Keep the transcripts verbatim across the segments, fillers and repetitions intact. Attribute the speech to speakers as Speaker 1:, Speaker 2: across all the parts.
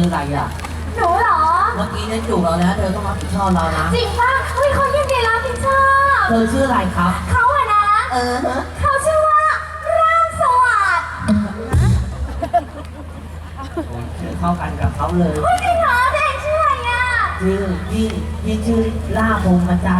Speaker 1: อะไรอ่ะ
Speaker 2: หนูเหรอ
Speaker 1: เมื่อกี้เนี่ยจูบเราแล้วเธอต้องรับผิดชอบเรานะ
Speaker 2: จริงป่ะเฮ้ยเขายินดีรับผิดชอบ
Speaker 1: เธอชื่ออะไรครับ
Speaker 2: เขาอะนะ
Speaker 1: เออ
Speaker 2: เขาชื่อว่าร่างสวัสดิ์
Speaker 1: ชื่อเข้ากันกับเขาเลย
Speaker 2: เฮ้ยจริงเหรอเด็กชื่ออะไรอ่ะ
Speaker 1: ชื่อพี่พี่ชื่อล่าพงมาจัน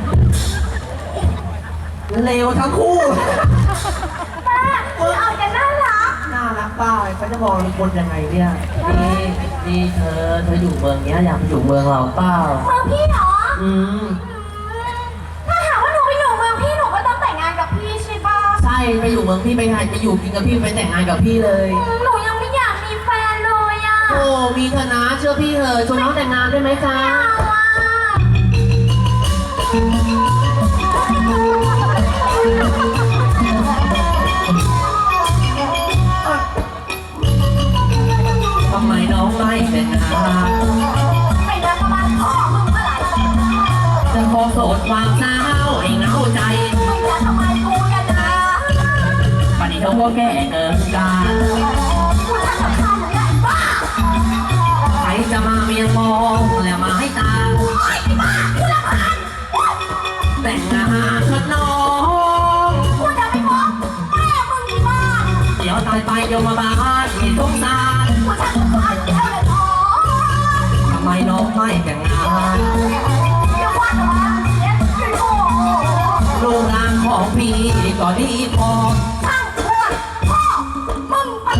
Speaker 1: เลวทั้งคู่
Speaker 2: ป้าคือเอาแต่น่ารัก
Speaker 1: น่ารักป้าเขาจะมองคนยังไงเนี่ยนี่นี่เธอเธออยู่เมืองเนี้ยอยากไปอยู่เมืองเราเปล่า
Speaker 2: เมืองพี่เหรอ
Speaker 1: อืม
Speaker 2: ถ้าหากว่าหนูไปอยู่เมืองพี่หนูก็ต้องแต่งงานกับพี่ใช่ป่ะ
Speaker 1: ใช่ไปอยู่เมืองพี่ไปงานไปอยู่กินกับพี่ไปแต่งงานกับพี่เลย
Speaker 2: หนูยังไม่อยากมีแฟนเลยอ่ะ
Speaker 1: โอ้มีเธอนะเชื่อพี่เถอะชวนน้องแต่งงานได้ไหมจ๊ะทำไมน้องไม่แต่งงาน
Speaker 2: ไม่ได้ประมาณพ่อมึงเมื่อไหร่
Speaker 1: จะขอโสดความเศร้าไอ้เงาใจ
Speaker 2: ไม่ได้ทำไมกูกันนะ
Speaker 1: ปฏิเขาก็แก่เกินการ
Speaker 2: กูจะสำคัญหรือไงบ้า
Speaker 1: ใครจะมาเมียมองแล้วมาให้ตา
Speaker 2: โอ๊ยบ้ากูรำคาญ
Speaker 1: แต่งงานกับน้อง
Speaker 2: กูจะไม่มองแม่มึงที่บ้าน
Speaker 1: เดี๋ยวตายไปโยมบาลที่สงสาร
Speaker 2: กูจะสำคัญเท่าเลยท้อ
Speaker 1: ทำไมน้องไม่แต่งงาน
Speaker 2: เดี๋ยวว่าแต่ว่าเสียใจโอ้
Speaker 1: รูปร่างของพี่ก็ดีพอ
Speaker 2: ช่างเถอะพ่อมึงอะไร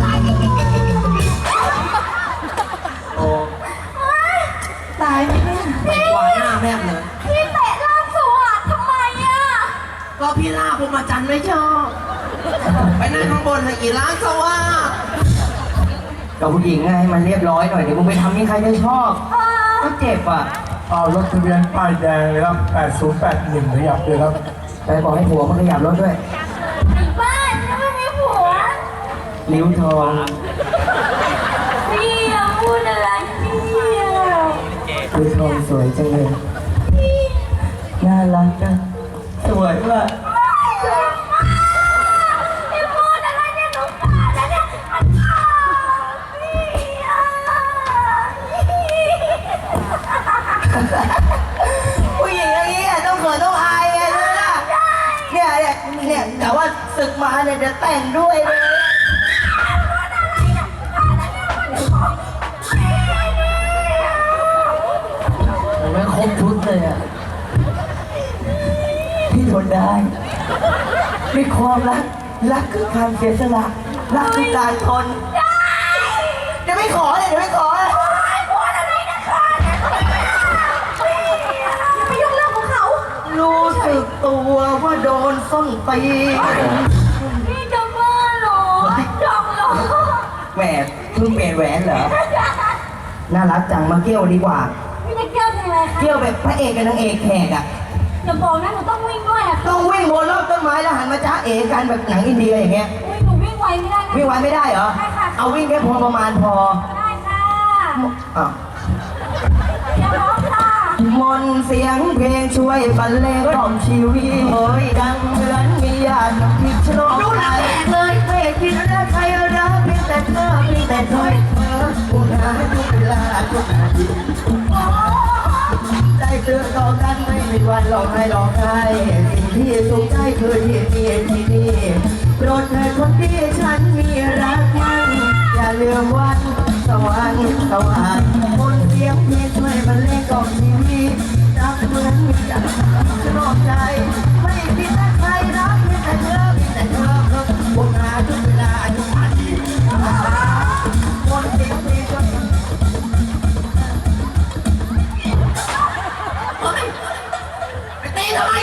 Speaker 1: โอ้
Speaker 2: ตายไหมเนี่ย
Speaker 1: ไม่กว่าหน้าแม่เลย
Speaker 2: พี่เตะล่างสวัสดิ์ทำไมอ่ะ
Speaker 1: ก็พี่ล่าผมมาจันไม่ชอบไปนั่งข้างบนเลยกี่ล้านสว่ากับผู้หญิงไงมันเรียบร้อยหน่อยเดี๋ยวมึงไปทำนี่ใครจะชอบก็เจ็บอ่ะ
Speaker 3: เอารถทะเบียนป้ายแดงเลยครับแปดศูนย์แปดหนึ่งขยับเลยครับ
Speaker 1: ไปบอกให้ผัวมันขยับรถด้วย
Speaker 2: บ้านไม่มีผัว
Speaker 1: นิ้วทอง
Speaker 2: พี่พูดอะไรพี่
Speaker 1: นิ้วทองสวยจังเลยน่ารักจังสวยว่ะ
Speaker 2: พี่พูดอะไรเนี่ยหนูตายแล้วเนี่ยอันนี้พี่อ่ะ
Speaker 1: ผู้หญิงอย่างนี้ต้องเขินต้องอายไงเนี่ยเนี่ยเนี่ยแต่ว่าศึกมาเนี่ยจะแต่งด้วยเลยไม่ครบชุดเลยอ่ะพี่ทนได้มีความรักรักคือการเสียสละรักคือการทนเดี๋ยวไม่ขอเลยเดี๋ยวไม่ขอเลย
Speaker 2: ไม่ยุ่งเรื่องของเขา
Speaker 1: รู้สึกตัวว่าโดนส้นตี
Speaker 2: พี่จะบ้าเหรอจองเหรอ
Speaker 1: แหวนเพิ่งเปลี่ยนแหวนเหรอน่ารักจังมาเกี่ยวดีกว่า
Speaker 2: พี่จะเกี่ยวยังไงคะ
Speaker 1: เกี่ยวแบบพระเอกกับนางเอกแขกอ่ะ
Speaker 2: อย่าบอกนะหนูต้องวิ่งด้วยอะ
Speaker 1: ต้องวิ่งบนรอบต้นไม้แล้วหันมาจ้าเอ๋กันแบบหนังอินเดียอย่างเงี้ย
Speaker 2: อุ้ยหนูวิ่งไวไม่ได้นะ
Speaker 1: วิ่งไวไม่ได้เหรอ
Speaker 2: ได้ค่ะ
Speaker 1: เอาวิ่งแค่พอประมาณพอ
Speaker 2: ได้ค่ะ
Speaker 1: อ้าว
Speaker 2: อย่าร้องค่ะ
Speaker 1: มนเสียงเพลงช่วยบรรเลงกล่อมชีวิตเฮ้ยดังเหมือนมีญาติพิชโลกดูหนังเลยไม่คิดว่าใครรักเพียงแต่เธอเพียงแต่เธอเธอผู้หาทุกเวลาทุกนาทีได้เตือนต่อกันไม่มีวันหลอกให้หลอกใครสิ่งที่สุขใจคือที่นี่ที่นี่โปรดเถิดคนที่ฉันมีรักมันอย่าลืมวันสวรรค์สวรรค์มนเสียงเพลงช่วยบรรเลงกล่อมชีวิตรักเหมือนมีใจสนองใจไม่คิดว่าใครรักเพียงแต่เธอเพียงแต่เธอเพิ่มบุญนาทุกเวลาทุกนาทีมนเสียงเพลงช่วยไปตีทำไม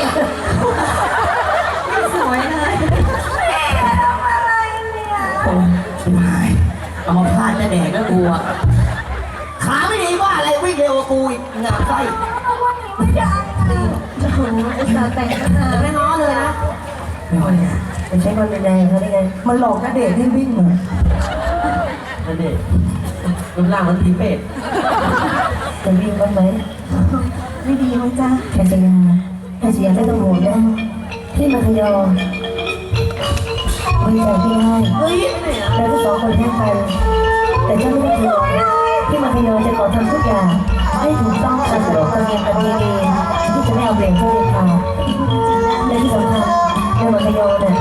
Speaker 1: สวยเลย
Speaker 2: ทำอะไรเนี่ย
Speaker 1: โอ้ยชิบหายเอามาพลาดจะแดกแล้วกูอ่ะขาไม่ดีว่าอะไรวิ่งเร็วกว่ากูอีกงามไส้
Speaker 2: วันนี้ไม่ได้จะโหจะแต่งกันนะ
Speaker 1: ไม่ง้อเลยนะไม่ง้อเลยเป็นใช้คนแดงเขาได้ไงมันหลอกกระเดชให้วิ่งเหรอกระเดชรูปร่างมันผีเป็ดจะวิ่งบ้างไหม
Speaker 2: ไม่ดีมั้งจ้า
Speaker 1: แค่จะยังแค่จะยังไม่ต้องห่วงนะที่มาขยอไว้ใจพี่ให้แล้วก็สองคนแค่กันแต่เจ้าไม่ได้ห่วงที่มาขเนี่ย